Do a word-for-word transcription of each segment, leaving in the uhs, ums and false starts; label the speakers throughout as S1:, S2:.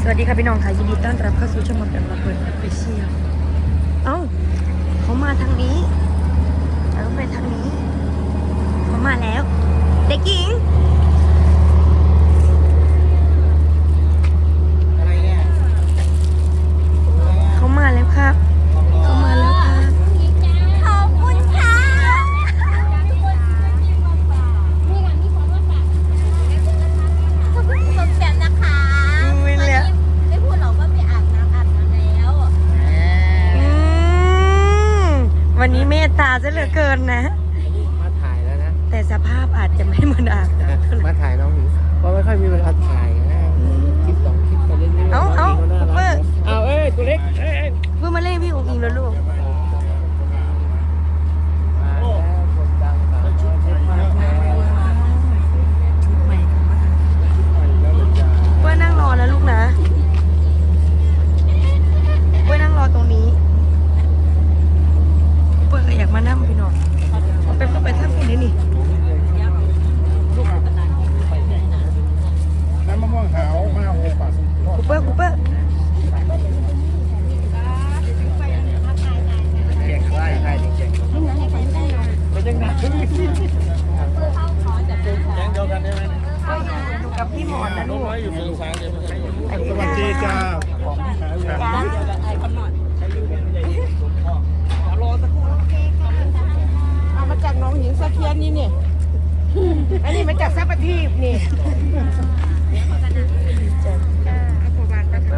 S1: วัสดีค่ะพี่น้องค่ะยินดีต้อนรับเข้าสู่ช่องหมดกันระเบิดออฟฟิเชียลเอ้าเขามาทางนี้เราไปทางนี้เขามาแล้วเด็กหญิง
S2: อะไรเนี่ย
S1: เขามาแล้วครับเขามาแล้วครับ
S3: ขอบคุณค่ะขอบคุณสมแสมนะคะ
S1: ไม่แล้ว
S3: ไม่พูดหรอกว่าไปอาบน้ำอาบน้ำแล้ว
S1: อืมวันนี้เมตตาซะเหลือเกินนะ
S2: มาถ่ายแล้วนะ
S1: แต่สภาพอาจจะไม่เหมือนอาบน้ำ
S2: มาถ่ายน้องหนิงเพราะไม่ค่อยมีเวลาถ่ายนะคลิปสองคลิปไปเรื่อยๆ
S1: เอาเอา
S2: น้งหนิง
S1: เปิ
S2: น่ารั
S1: ด
S2: กเอาเอ้ยตัวเล็กเอ้ย
S1: เพื่อมาเล่นพี่อุ๋งอิงแล้วลูก
S2: มาแล้วคนดังสาวชุดใหม่มาแล้ว
S1: ชุดใหม่กันมากเพื่อนั่งรอนะลูกนะเพื่อนั่งรอตรงนี้เพื่อก็อยากมานั่งพี่น้องเอาไปเข้าไปท่าคุณนี่นี่
S4: น้ำมะม่วงหาวมะนาวโอปัส
S1: คูเปอร์คูเปอร์
S2: เก่งไล่ใครเก่งไม่ยังหนักยังเดียวกันได้ไหม
S1: อยู่กับพี่หมอนนะลูก
S2: อยู่ตรงซ้ายเลยไม่ใช่
S4: สวัสดีจ้าของขายแล้ว
S5: เอามาจากหน้องหินสะเคียนนี่เนี่ย อันนี้มาจากซัปปะทีบนี่เอาประมาณนั้น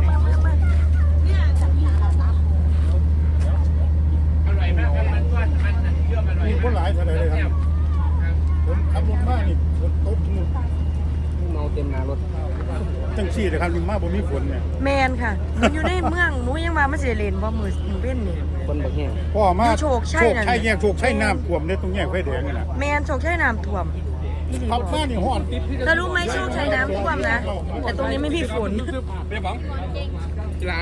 S4: มีคนหลายเท่าไหร่เลยครับผมขับรถมานี่ฝนตกนู่น
S2: เมาเต็มหน้ารถ
S4: จังซี่เลยครับมาบ่มีฝนเนี่ย
S1: แมนค่ะมันอยู่ในเมืองหนูยังมาไม่เสียเลนบ่มือหนูเว้นนี่
S2: คนบักแห้ง
S4: พ่อมา
S1: อยู่โชคชัยนั่น
S4: โชคชัยแยกโชคชัยน้ำท่วมเนี่ยตรงแยกไฟแดงนี่น่ะ
S1: แมนโชคชัยน้ำท่วมพี่ดีบ
S4: ขั
S1: อบ ก
S4: มานี่ฮ้อน
S1: แล้วรู้ไหมโชคชัยน้ำท่วมนะ แต่ตรงนี้ไม่มีฝน
S2: เบี้ยบังกีฬา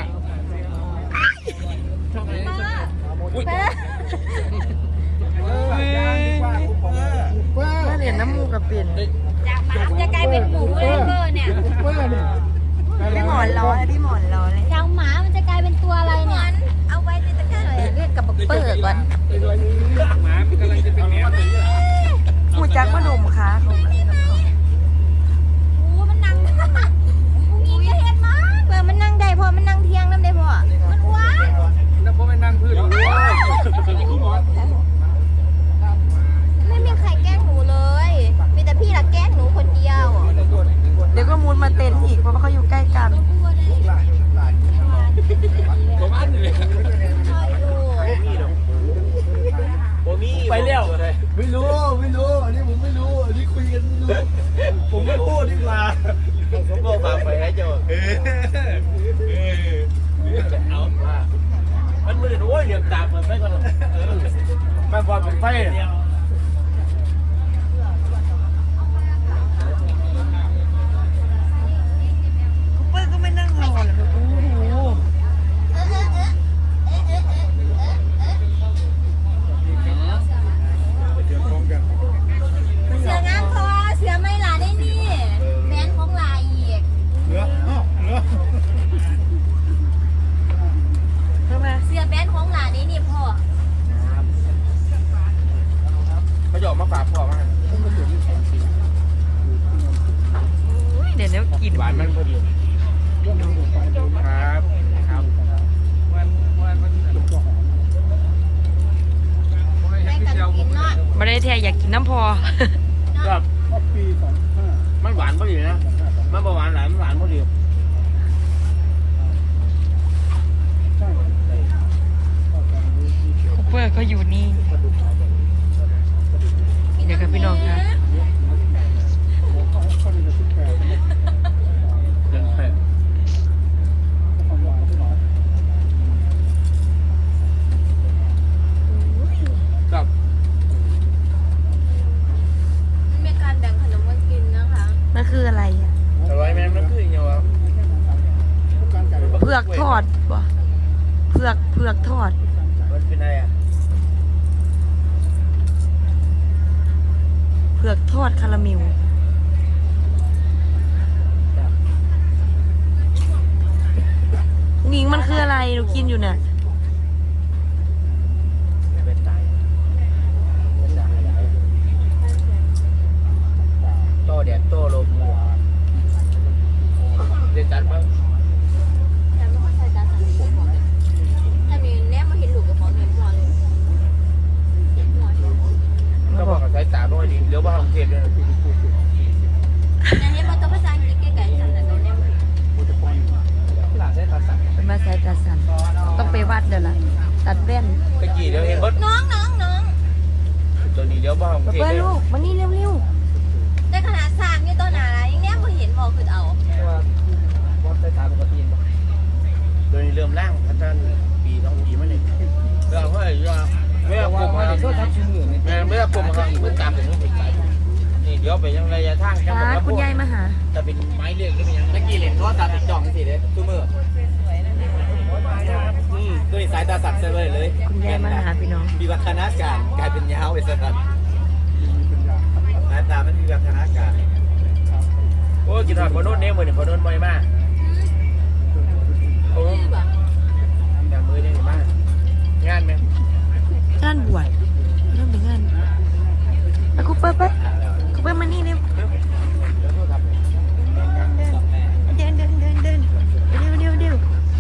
S1: ถ้าเหรียญน้ำมูกกับเป็น
S3: จากหมาจะกลายเป็นหมูเลเวอร์เนี่ย
S4: เพื่อนี่
S1: พี่หมอนร้อยพี่หมอนร้อยเลย
S3: จากหมามันจะกลายเป็นตัวอะไรเนี่ยเอาไว้ในตะกร้าหน่อยเรียกกับบักเปิดก่อน
S2: หมากำลังจะเป็นแมว
S1: หูจักมะดมค่ะ
S3: โอ้มันนั่งอุ้งอิงจะเห็นมั้ยเปิดมันนั่งได้พอมันนั่งเที่ยงน้ำได้พอมันว้า
S2: แล้วพอไปนั่งพื้นหรือว่า
S3: ไม่มีใครแกล้งหนูเลย มีแต่พี่ละแกล้งหนูคนเดียว
S1: เดี๋ยวก็มูนมาเต้นอีกเพราะว่าเขาอยู่ใกล้กัน
S2: ผมอันเลยไปแล้วไม่รู้ไม่รู้อันนี้ผมไม่รู้อันนี้คุยกันไม่รู้ผมไม่พูดดีกว่าผมก็ฝากไปให้เจ้าเออเออเอาว่ามันมือโอ้ยเหลี่ยมตาเปิดไฟก่อนแม่บอกเป็นไฟ
S1: เปิ้ลก็ไม่นั่งรอเลยโอ้โห
S4: เดี๋ยวพร้อมกัน
S3: เสืองามคอเสือไม่หลาได้นี่แบนของลายอีก
S4: เหลืออ้าวเหลือ
S1: ทำไม
S3: เสือแบนของหลาได้นี่พ่อ
S2: เขาจะออกมาฝากพ่อมา
S1: อุ๊ยเดี๋ยวเดี๋ยวกิน
S2: หวานมันพอดีครับครับวันวันวัน
S3: แม่กันกินเนาะ
S1: มาได้แท้อยากกินน้ำพอ
S2: ครับ
S4: ก็ปีสองห้า
S2: มันหวานพอดีนะมันหวานหลายมันหวานพอดี
S4: ใช่
S1: คูเปอร์ก็อยู่นี่ เดี๋ยวกับพี่น้องค่ะ
S4: เขาเป็นสิบแปดความหวานที่หวาน
S2: ครับ
S3: มันมีการแบ่งขนมกันกินนะคะ
S1: นั่นคืออะไรอ่ะ
S2: อร่อยไหมมันคืออย่างเงี้ยวะ
S4: การไก่
S1: เผือกทอดบ่เผือกเผือกทอด
S2: มันเป็นอะไรอ่ะ
S1: เผือกทอดคาราเมลหนูกินอยู่น่ะ
S2: เป็นตายเป็นตายโตแดดโตลมเรียนจัดมั้ง
S3: แต่ไม่ค่อยใส่ตาสั่นถ้ามีแนบมาเห็นหลุดกับของเห็นพอเลย
S2: ก็บอกกับสายตาน้อยดีเดี๋ยวบ้านของเทพเนี่ย
S3: แต่เห็นมาตัวภาษาอังกฤษไกลๆสั่นๆแนบ
S2: หลานได้ตาสั่น
S1: เป็นมาสายตาสันต้องไปวัดเดี๋ยวล่ะตัดแว่น
S2: ตะกี้เดี๋ยวเห็นบด
S3: น้องน้องน้อง
S2: ตัวนี้เดี๋ยวบ้านของ
S1: มา
S2: เทพ
S1: เปิ้ล
S2: เนี่ย
S1: ลูกมานี่เร็ว
S3: แต่ขนาดสร้างนี่ตัวหนายังแนบมาเห็นบอกคือเอา
S2: ว่าบอสสายตาปกติป่ะโดยเริ่มล่างพัฒนาปีสองปีมาหนึ่งเราก็เลยว่าไม่เอาผมมาก็ทับชิ้นอื่นแม่ไม่เอาผมมาเพื่อตามถึงถึงนี่เดี๋ยวไปยังระยะทาง
S1: ๆ
S2: จะ
S1: อ่า
S2: บอก
S1: คุณยายมาหา
S2: จะเป็นไม้เลือกหรือเป็นยังตะกี้เหรียญก็ตาติดจ่องสิเด้ตู้มืออืมตัวนี้สายตาสั่นเลยเลย
S1: คุณยายมาหาพี่น้อง
S2: มีวัฒนาการกลายเป็นยาวไปซะครับสายตามันมีวัฒนาการโอ้กินหอดพอโน้นเนี่ยมือเนี่ยพอโน้นบ่อยมากโอ้แต่มือเนี่ยมากงานไหม
S1: งานบวชเริ่มเป็นงานไปคุปเปอร์ไปคุปเปอร์มานี่เร็วเดินเดินเดินเดินเดินเร็วเร็วเร็ว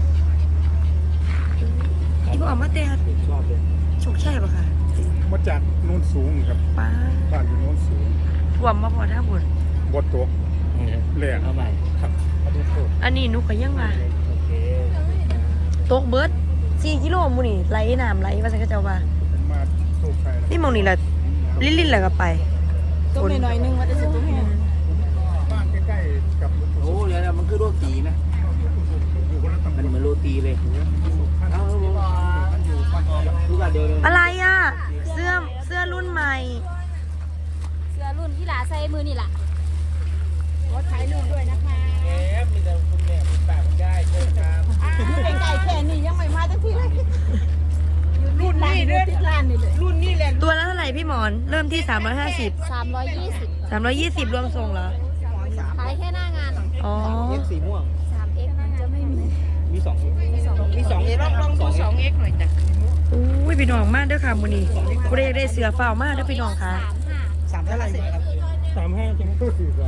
S1: ที่บอกมาเตะ
S2: ชอบเลย
S1: โชคชัยปะค่ะ
S4: มาจากโน้นสูงครับ
S1: ป้า
S4: บ้านอยู่โน้นสูง
S1: ท่วมมาพอท่าบุญ
S4: บดตกแหลก
S2: เอาใหม่
S4: ครับ
S2: มาดูโคตร
S1: อันนี้หนุก็ยังมา
S2: โอเค
S1: ตกเบิร์ดสี่กิโลมูนี่ไหลน้ำไหลว่าสักเจ้าว่า
S4: ผมมาโชคชัยแล้ว
S1: นี่มองนี่แหละลิ้นลิ้นแหละก็ไป
S5: ตัวหน่อยๆนึงว่าจะสิตัวแห้ง
S4: บ้านใกล้ๆกับ
S2: โอ้เดี๋ยวมันคือโรตีไหม
S4: อยู่คนละตำบ
S2: มัน
S4: ล
S2: เหมือนโรตีเลยเอาลูกอะเดียวเลย
S1: อะไรอ่ะ เสื้อเสื้อรุ่นใหม่
S3: เสื้อรุ่นที่หลาใส่มือนี่แหละ
S5: ขอถ่ายรูปด้วยนะคะ
S2: แหมมีแต่คุณแม่คุณป้าคุณยายเชิญครับ
S5: ไก่แค่นี้ยังไม่มาตั้งที่เลยรุ่นนี้เด้อที่ร้านนี่เลยรุ่นนี้แหละ
S1: ตัวละเท่าไหร่พี่หมอน เริ่มที่ สามร้อยห้าสิบ
S3: สามร้อยยี่สิบ
S1: สามร้อยยี่สิบรวมส่งเหรอ
S3: ขายแค่หน้างาน
S1: อ๋อ
S2: เอ็กสีม่วง
S3: สามเอ็กซ์มันจะไม่มี
S2: มีสอง
S3: มีสอง
S2: มีสอง
S5: ลองลองดูสองเอ็กหน่อยจ้ะ
S1: อุ้ยพี่น้องมากเด้อค่ะมูนี่กูได้ได้เสือเฝ้ามากเด้อพี่น้องค่ะ
S3: สามห้า
S2: สามเท่าไหร่ครับ
S4: สามห้าจังก็สี่ไร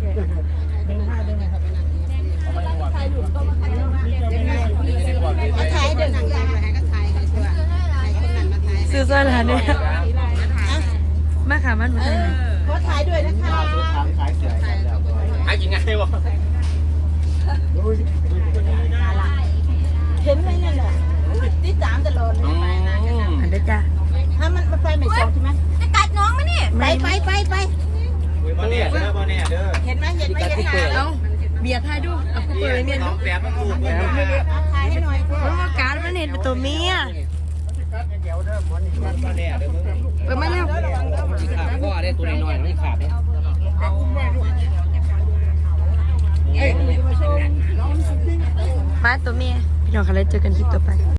S5: มาถ่ายเดินหนังยังไงก็ถ่ายกันชัวร์ถ่ายคนนั้นมาถ่าย
S1: ซื้อเสื้อร้านเนี่ยมาค่ะมันมาทางไหน
S5: ขอถ่ายด้วยนะคะ
S2: ขายเสือขายยังไงวะ
S5: เห็นไหมเนี่ยแหละติดตามตลอดเลย
S1: อันเด้อจ้า
S5: ถ้ามันมันไฟไม่ส่องใช่ไหม
S3: จะกัดน้องไหมนี่
S5: ไปไปไปไป
S2: มาเนี่ยเด้อมาเนี่ยเด้อ
S5: เห็นไหมเห็นไหมเห็นไหม
S1: เอ้าเบียร์ทายดูเอากูเปิดเลยเมียน
S2: น้
S1: ดู
S2: องแฝดมันถูกเลย
S5: ถ่ายให้หน่อย
S1: มันว่าการมันเห็นเป็นตัวเมีย
S2: มาเนี่ยเด้อมึง
S1: เปิดมาเร็ว
S2: ขาดก็ได้ตัวน้อยๆไม่ขาดเนี่ย
S1: มาตัวเมียพี่น้องค่ะเลยเจอกันคลิปต่อไป